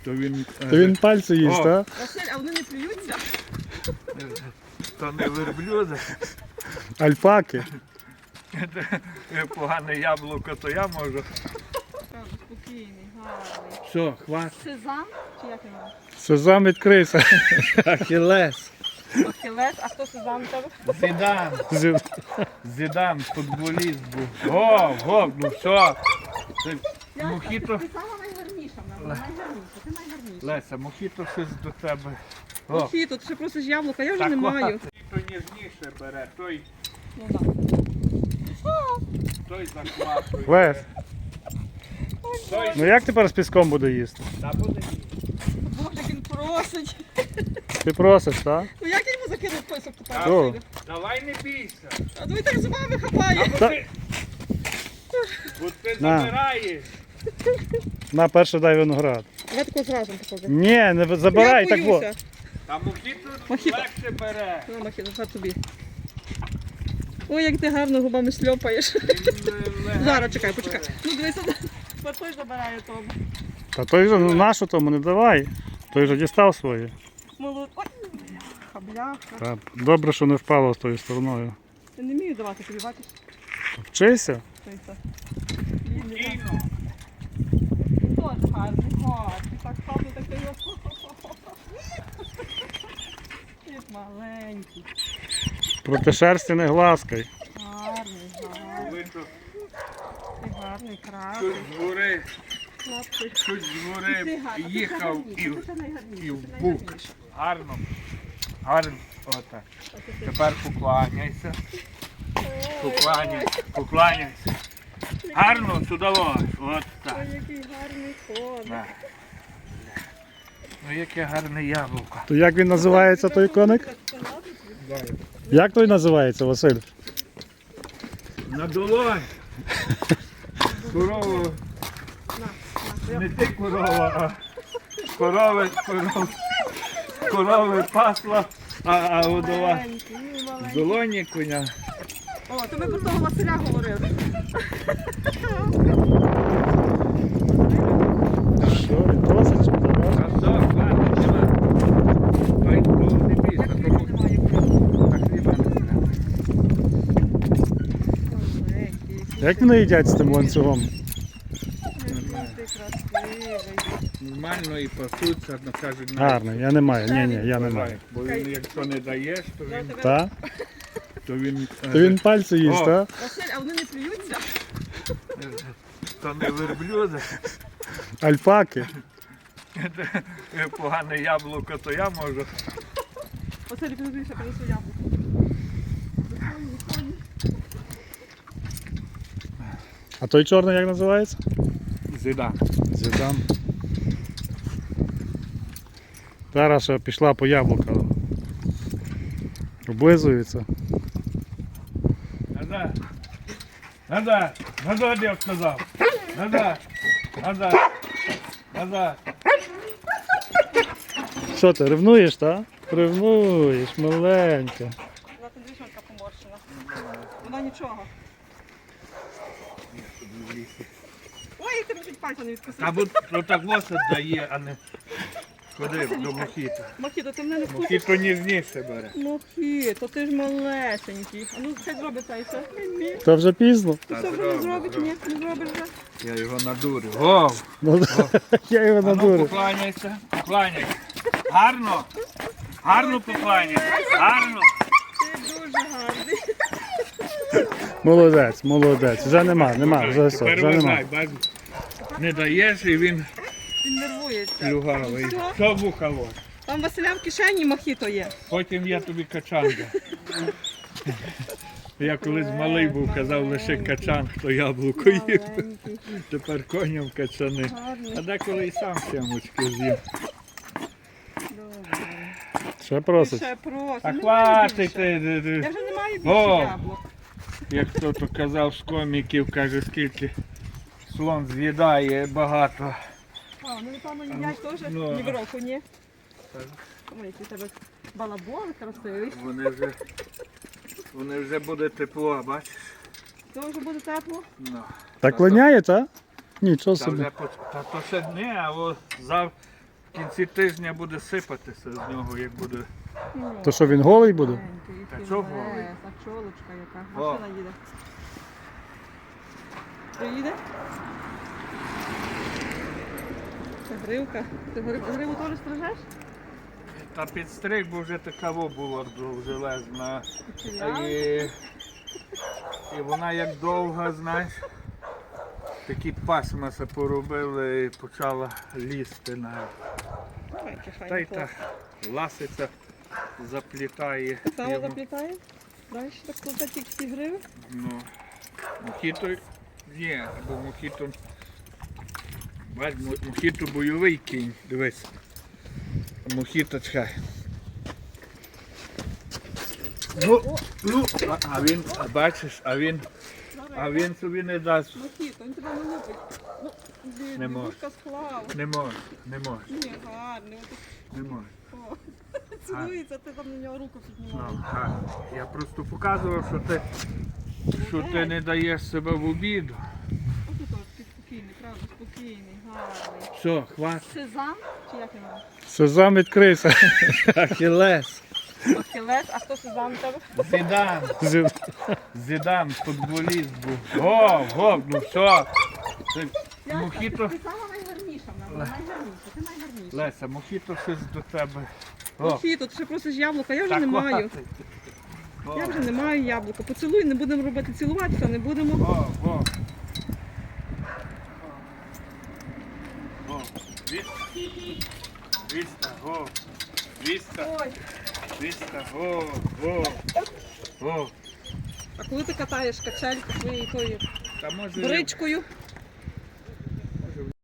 То він пальці їсть, так? Василь, а вони не плюються? То не верблюди. Альпаки. Погане яблуко, то я можу. Спокійний, гарний. Все, хватить. Сезам? Чи як його? Сезам відкрийся. Ахілес. Ахілес, а хто сезам у тебе? Зідан. Зідан, футболіст був. Го, ну все. Мохіто. Ти сама найгарніша в нас, найгарніша, ти найгарніша. Леся, мохіто щось до тебе. О, Мохіто, ти ще просиш яблука, я вже так не маю. Мохіто ніжніше бере, той Ну так. захватує. Лесь, Той, ну як тепер з піском буде їсти? та буде їсти. Боже, як він просить. Ти просиш, так? Ну як я йому закинув писок тепер? О. Василю? Давай не бійся. А ну і так зубами хапає. Бо ти На. забираєш. На, перше дай виноград. Давай таку зразу покажу. Ні, не забирай, Я так во. боюся. Та мохіто Мохіто. легше бере. На, Мохіто, це тобі. Ой, як ти гарно губами шльопаєш. Зараз, чекай, почекай. Ну дивися, той забирає тому. Та той же, ну нашу тому не давай. Той же дістав своє. Молод. Ой, хабляха. Та, добре, що не впало з тою стороною. Я не вмію давати тобі, бачиш? Вчися. Той це. Він не Кіно. Теж гарний, гарний. Так хапно, так його. Він маленький. Проти шерсті не гласкай. Гарний, гарний. Коли то Ти гарний, щось красивий. з гори, Хлопчик. щось з гори Ти гарний, ти їхав найгарніший, і ти найгарніший, і в ти бук. найгарніший. Гарно. Гарно. Отак. А ти- Тепер покланяйся. Покланяйся. Гарно сюди лось. От так. Ой, який гарний коник. На. Ну яке гарне яблуко. То як він називається той коник? Як той називається, Василь? На долонь. Корову. Не ти корова, а корови пасла, а годова. Маленький, ну, В маленький. долоні коня. О, то ми про того Василя говорили. Що, він просить? Чи не давай? А що, хватить, нема. Ой, ну, не бійся, тому так хліба не треба. Як вони їдять з тим ланцюгом? Ти красивий. Нормально і пасуться, ну кажуть, Гарний, я не маю. Ні, я не маю. Бо він, якщо не даєш, то він, Так? то він, То він пальці їсть, О. так? Василь, а вони не плюються? то не верблюди. Альпаки. Погане яблуко, то я можу. Василь, підозріше, принесу яблуко. А той чорний як називається? Зида. Зідам. Зараз ще пішла по яблука. Облизується. Назад, я сказав. Назад. Що ти, ревнуєш, так? Ревнуєш, маленька. Вона там двічонка поморщена. Вона нічого. Ой, як тебе чуть пальця не відкусив. Або то так лоса дає, а не ходи до мохіта. Мохіто, ти мене не вкусиш? Мохіто ніжніше бере. Мохіто, ти ж малесенький. А ну, хай зробить цей все. Та вже пізно. Ти все вже не зробить? Ні, не зробиш вже. Я його надурю. О, Ну, я його а ну надурю. покланяйся. Гарно покланяйся. Гарно. Ти дуже гарний. Молодець. Вже нема, вже все, Тепер вже нема. вважай, бачиш. Не даєш і він Він нервується. плюгавий. Все? Що бухало? Там Василя в кишені мохіто є. Потім я тобі качан дам. Я колись малий був, казав лише качан, хто яблуко їв. Маленький, Тепер коням качани. А гарний. деколи і сам сямочки з'їм. Добре. Ще просить. Ще просто. А Немає хватить більше. ти. Я вже не маю більше О! яблук. Як хто-то казав з коміків, каже, скільки слон з'їдає багато. А, ну напевно їдять теж Ну, ні в року, ні? Так. Ой, який у тебе балабон красивий. Вони вже буде тепло, бачиш? То вже буде тепло. Ну. Так линяє, так? Нічого Та собі. вже та то ще не, а кінці тижня буде сипатися з нього, як буде. То що він голий буде? Та чого голий? А чолочка яка. О. Машина їде. Приїде? Це гривка. Ти гриву теж стрижеш? Та підстриг, бо вже такаво була довжелезна. І вона як довга, знаєш, такі пасмаси поробили і почала лізти на. Та й та ласиця заплітає. Саме йому. заплітає? Далі так плутати тільки ці гриви? Ну, мохіто є, бо мохіто. Бач, мохіто бойовий кінь, дивись. Мохіто чекай. Ну, а він, бачиш, а він собі не дасть. Мохіто, він тебе не лупить. Ну, Не може. дідушка склав. Не може, не може, Ні, гарний. не може. О, цілується, ти там на нього руку піднімаєш. Ну, так. Я просто показував, що ти не даєш себе в обіду. Ось тут такий спокійний, правда, спокійний, гарний. Все, хватить. Сезам? Чи як його? Сезам відкрився. Ахілес. Ахілес, а хто сезам у тебе? Зідан. Зідан, футболіст був. Го, ну все. Мохіто. Ти сама найгарніша в нас, найгарніша, ти найгарніша. Леся, мохіто щось до тебе. О, Мохіто, ти ще просиш яблука, я вже так не маю. хватить. Я вже не маю яблука. Поцілуй, не будемо робити цілуватися, не будемо. О. Віста, го. Віста, Ой, віста, го. а коли ти катаєш качельку своєю тою Та може бричкою,